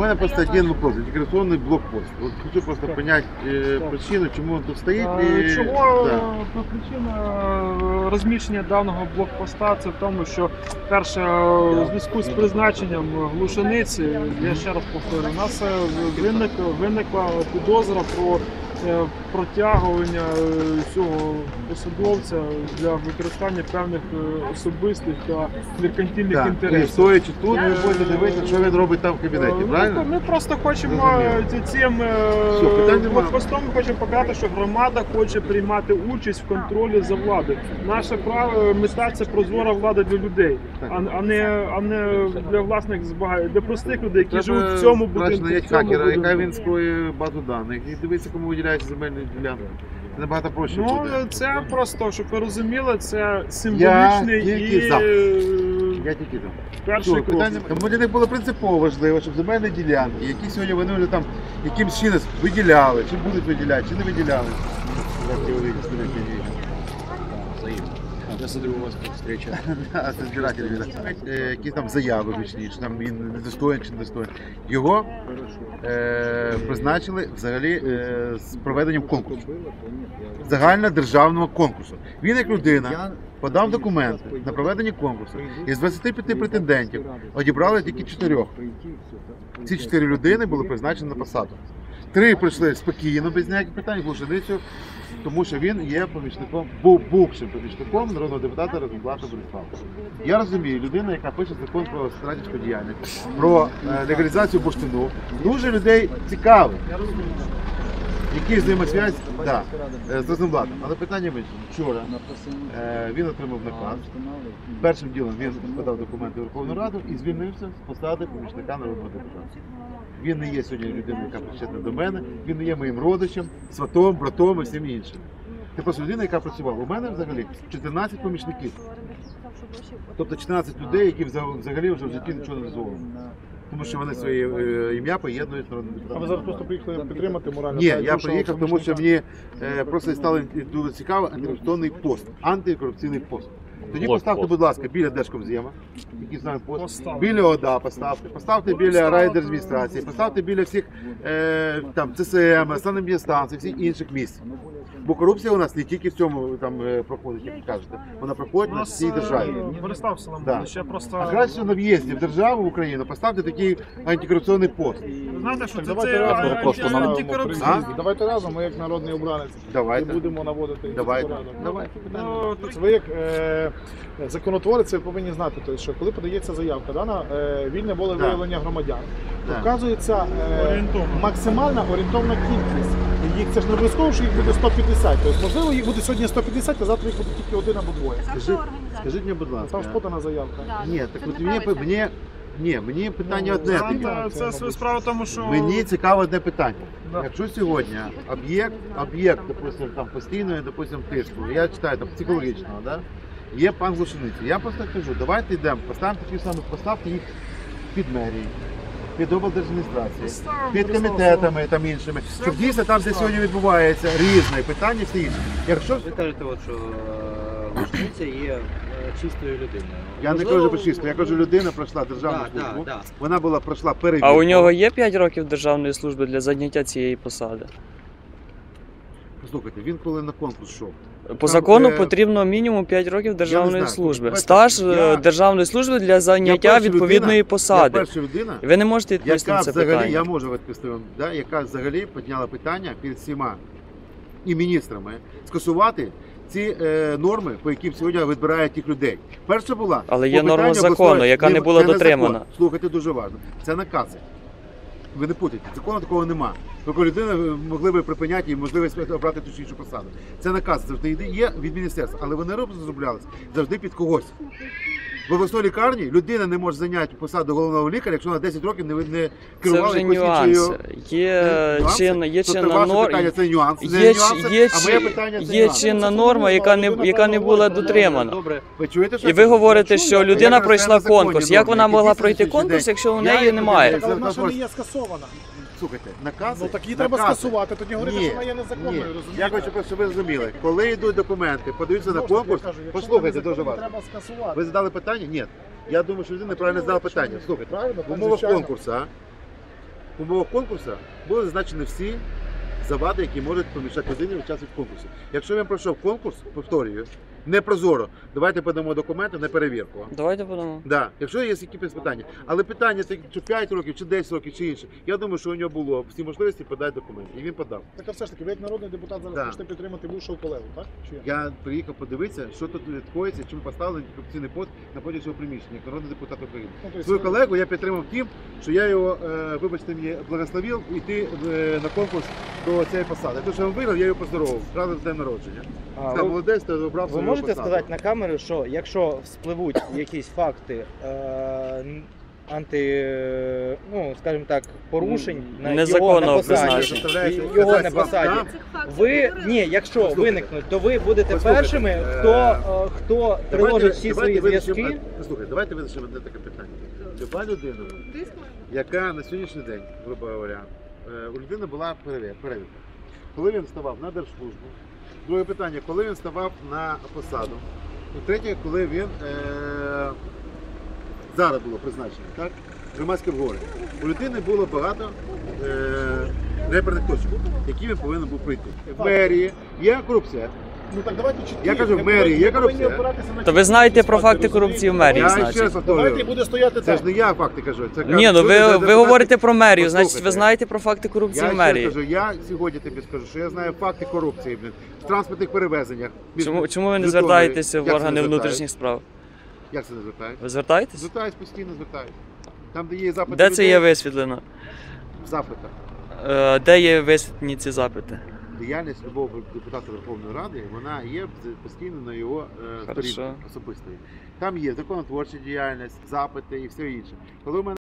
мене просто один вопрос. Антикоррупционный блокпост. Вот хочу просто понять причину, чому він тут стоїть. Чого причина розміщення даного блокпоста це в тому, що перше у зв'язку з призначенням Глушениці, я ще раз повторю, у нас виникла підозра про протягування цього посадовця для використання певних особистих та меркантильних інтересів. Стоячи тут, ви будете дивитися, що він робить там в кабінеті, правильно? Ми просто хочемо цим блокпостом хочемо показати, що громада хоче приймати участь в контролі за владою. Наша мета – це прозора влада для людей, а не для власних збагань, для простих людей, які живуть в цьому будинку. Хакера, яка він скроє базу даних, і дивиться, кому виділяється земельні ділянки. Це набагато проще буде. Це просто, щоб ви розуміли, це символічний Я тільки за. перший крок. Тому для них було принципово важливо, щоб земельні ділянки, які сьогодні вони вже там якимсь чином виділяли, чи будуть виділяти, чи не виділяли. Я смотрю, у вас встреча. Це збиратель, які там заяви вичні, що там він недостоїн чи недостоїн. Його призначили взагалі з проведенням конкурсу. Загальнодержавного конкурсу. Він як людина подав документи на проведення конкурсу. Із 25 претендентів одібрали тільки 4. Ці 4 людини були призначені на посаду. 3 пройшли спокійно, без ніяких питань, Глушеницю, тому що він є помічником, бувшим помічником народного депутата Розенблата Борислава. Я розумію, людина, яка пише закон про стратегічну діяльність, про легалізацію бурштину, дуже людей цікавить, які взаємосвязь з Розенблатом. Але питання в іншому. Вчора він отримав наказ, першим ділом він подав документи в Верховну Раду і звільнився з посади помічника народного депутата. Він не є сьогодні людиною, яка причетна до мене, він не є моїм родичем, сватом, братом і всім іншим. Це просто людина, яка працювала. У мене взагалі 14 помічників. Тобто 14 людей, які взагалі вже в житті нічого не дозволили. Тому що вони своє ім'я поєднують з народним депутатом. А ви зараз просто приїхали підтримати морально? Ні, я приїхав, тому що мені просто стало дуже цікаво антикорупційний пост. Антикорупційний пост. Тоді поставте, будь ласка, біля Держкомзема, який знає пост, біля ОДА поставте біля райдержадміністрації, поставте біля всіх там ЦСМ, санепідстанцій, всіх інших місць. Бо корупція у нас не тільки в цьому там проходить, як ви кажете, вона проходить на всій державі. Борислав Соломонович, ще просто... А краще на в'їзді в державу, в Україну, поставте такий антикорупційний пост. Ви знаєте, що Давайте це антикорупційний. Давайте разом, ми як народний обранець, Давайте. будемо наводити Давайте. Ви як законотворець, ви повинні знати, що коли подається заявка на вільне волевиявлення громадян, то вказується максимальна орієнтовна кількість. Їх це ж не обов'язково, що їх буде 150. Тобто, можливо, їх буде сьогодні 150, а завтра їх буде тільки 1 або 2. Скажіть мені, будь ласка. Там ж подана заявка. Ні, так от мені питання одне. Це справа в тому, що... Мені цікаве одне питання. Якщо сьогодні об'єкт, допустим, там постійної, допустим, тиску, я читаю там психологічного, да? Є пан Глушениця. Я просто кажу, давайте йдемо, поставимо такі самі, поставте їх під мерією, під облдержадміністрацією, під комітетами там іншими, щоб дійсно там, де сьогодні відбувається різне питання, всі інші. Якщо Ви кажете, що Глушениця є чистою людиною. я не кажу про чисто, я кажу, людина пройшла державну службу, вона пройшла перевірку. А у нього є 5 років державної служби для зайняття цієї посади? Послухайте, він коли на конкурс йшов. По закону потрібно мінімум 5 років державної служби. Стаж державної служби для зайняття відповідної посади. Я перша людина, Ви не можете відповісти на це питання. я можу відповісти вам, яка взагалі підняла питання перед всіма і міністрами скасувати ці норми, по яким сьогодні відбирають тих людей. Перша була... Але є норма закону, яка не була дотримана. Слухайте, дуже важливо. Це накази. Ви не путайте, закону такого нема. Тільки людина могли би припиняти і можливість обрати ту чи іншу посаду. Це наказ завжди є від міністерства, але вони розроблялися завжди під когось. В обласній лікарні людина не може зайняти посаду головного лікаря, якщо вона 10 років не керувала. Це вже нюанси. Є чинна норма, яка не була дотримана. І ви говорите, що людина пройшла конкурс. Як вона могла пройти конкурс, якщо у неї немає? Вона ще не є скасована. Слухайте, накази... Ну так її треба скасувати, тоді говорити, що вона є незаконною, розумієте? Я хочу, щоб ви зрозуміли, коли йдуть документи, подаються на конкурс, послухайте, дуже важливо. Ви задали питання? Ні. Я думаю, що людина неправильно задала питання. Слухайте, в умовах конкурсу в умовах конкурсу були зазначені всі завади, які можуть помішати людині участь в конкурсі. Якщо він пройшов конкурс, повторюю, не прозоро, давайте подамо документи на перевірку. Давайте подамо. Да, якщо є якісь питання. Але питання, це чи 5 років, чи 10 років, чи інше, я думаю, що у нього було всі можливості подати документи. І він подав. Так, а все ж таки, ви як народний депутат зараз Да. хочете підтримати бувшого колегу, так? Чи як? Я приїхав подивитися, що тут відбувається, чому поставили корупційний пост на поді цього приміщення, як народний депутат України. Ну, то есть Свою ви- колегу я підтримав тим, що я його, вибачте мені, благословив йти на конкурс до цієї посади. Те, що він виграв, я його поздоровив. Правда, з днем народження. Сказав, молодець, ти обрав Ви свою можете посаду. сказати на камеру, що якщо вспливуть якісь факти ну, скажімо так, порушень на його Незаконного на посаді, призначення. його на посаді, ви, якщо Послухайте. виникнуть, то ви будете Послухайте, першими, хто приложить всі свої зв'язки. Слухайте, давайте визначимо одне таке питання. Люба людина, яка на сьогоднішній день, грубо говоря, у людини була перевірка. Коли він ставав на держслужбу, друге питання, коли він ставав на посаду, і третє, коли він зараз було призначено, так? Громадське обговорення. У людини було багато реперних точок, які він повинен був пройти. В мерії є корупція. Ну так давайте чіткі. Я кажу, в Ми мерії є повинні корупція. опиратися на То ви чіткі знаєте про факти, факти корупції в розумієте? мерії, Я значить. ще раз Давайте і повторюю. буде стояти Це так. ж не я факти кажу. Це Ні, ну ви говорите про мерію, значить ви Послухайте. знаєте про факти корупції Я в ще раз мерії. кажу, я сьогодні тобі скажу, що я знаю факти корупції в транспортних перевезеннях. Чому ви не Житомирі. звертаєтеся в Як це органи не внутрішніх справ? Як це не звертають? Ви звертаєтесь? Звертаюсь, постійно звертаюсь. Там, де є запити Де це людей, є висвітлено? в запитах. Де є висвітлені ці запити? Діяльність любого депутата Верховної Ради, вона є постійно на його Хорошо. сторінці особистої. Там є законотворча діяльність, запити і все інше. Коли в мене